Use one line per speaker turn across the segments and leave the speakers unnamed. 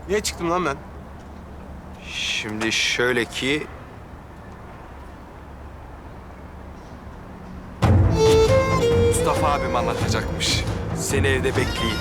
Niye çıktım lan ben?
Şimdi şöyle ki... Mustafa abim anlatacakmış. Seni evde bekleyin.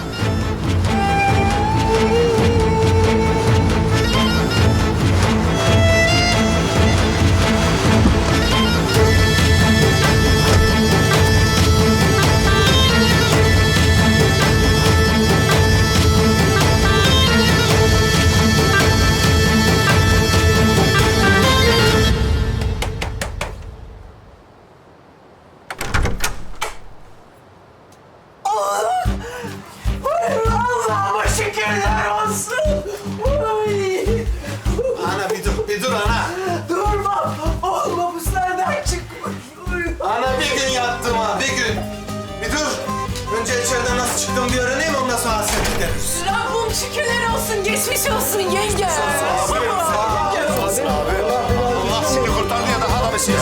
Allah'ıma şükürler olsun. Ay.
Ana bir dur ana.
Durmam. Olmamışlardan çıkmış.
Ana bir gün yattım ha, bir gün. Bir dur. Önce içeriden nasıl çıktım bir öğreneyim, ondan sonra hasret gideriz.
Rabbim şükürler olsun, geçmiş olsun yenge.
Allah seni kurtardı ya, daha da bir şey.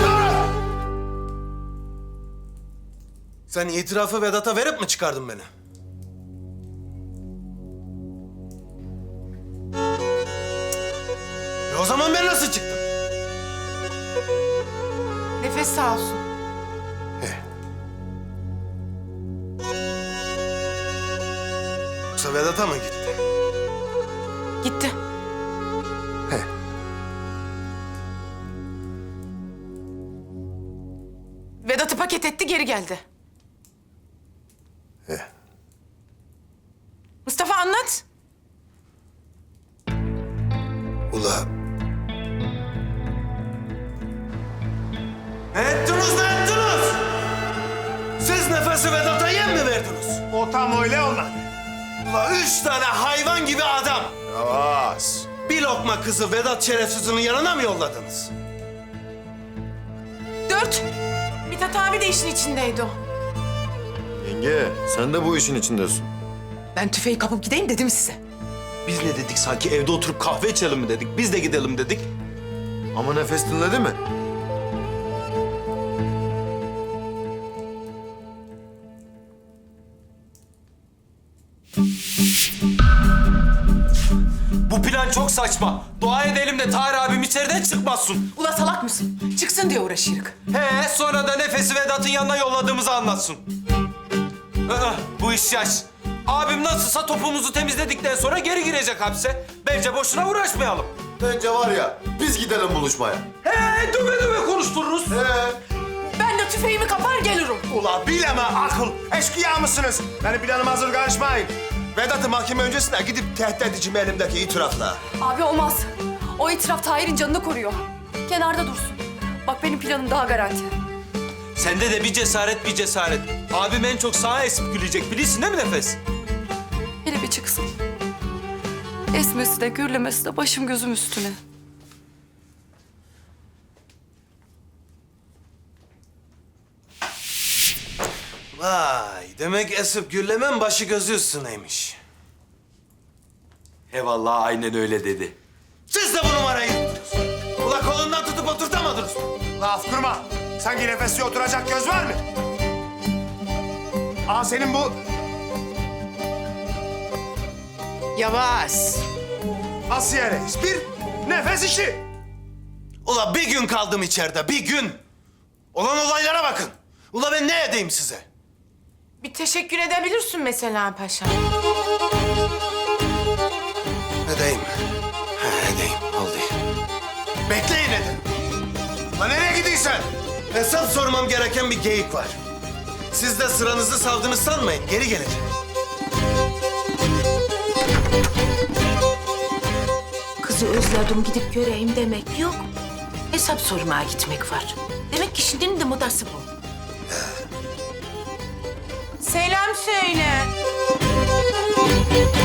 Sen itirafı Vedat'a verip mi çıkardın beni? O zaman ben nasıl çıktım?
Nefes sağ olsun.
Yoksa Vedat'a mı gitti?
Gitti. Vedat'ı paket etti, geri geldi. Mustafa anlat.
Ula. Ne ettiniz, ne ettiniz? Siz nefesi Vedat'a yem mi verdiniz?
O tam öyle olmadı.
Ula 3 tane hayvan gibi adam.
Yavaş.
Bir lokma kızı Vedat şerefsizinin yanına mı yolladınız?
4. Mithat abi de işin içindeydi o.
Yenge, sen de bu işin içindesin.
Ben tüfeği kapıp gideyim dedim size.
Biz ne dedik sanki, evde oturup kahve içelim mi dedik? Biz de gidelim dedik.
Ama Nefes dinledi mi?
Bu plan çok saçma. Dua edelim de Tahir abim içeriden çıkmasın.
Ula salak mısın? Çıksın diye uğraşırık.
He, sonra da Nefes'i Vedat'ın yanına yolladığımızı anlatsın. Bu iş yaş. Abim nasılsa topumuzu temizledikten sonra geri girecek hapse. Bence boşuna uğraşmayalım.
Bence var ya, biz gidelim buluşmaya.
He, döve konuştururuz.
Ben de tüfeğimi kapar gelirim.
Ula bileme akıl. Eşkıya mısınız? Benim planım hazır, karışmayın.
Vedat'ı mahkeme öncesine gidip tehdit edeceğim elimdeki itirafla.
Abi olmaz. O itiraf Tahir'in canını koruyor. Kenarda dursun. Bak benim planım daha garanti.
Sende de bir cesaret bir cesaret. Abim en çok sağa esip gülecek. Bilirsin değil mi Nefes?
Hele bir çıksın. Esmesi de gürlemesi de başım gözüm üstüne.
Vay, demek esip gürlemen başı gözü üstüneymiş.
He vallahi aynen öyle dedi.
Siz de bu numarayı yuttunuz. Ula kolundan tutup oturtamadınız mı?
Laf kurma. Sanki nefesli oturacak göz var mı? Aa senin bu
Yavaş.
Asiye Reis. Bir nefes işi.
Ula bir gün kaldım içeride, bir gün. Olan olaylara bakın. Ula ben ne edeyim size?
Bir teşekkür edebilirsin mesela paşa.
Edeyim. Edeyim, oldu. Bekleyin edin.
Lan nereye gidiyorsun?
Hesap sormam gereken bir geyik var. Siz de sıranızı savdınız sanmayın, geri geleceğim.
Kızı özledim gidip göreyim demek yok. Hesap sormaya gitmek var. Demek ki şimdinin de modası bu.
Selam söyle.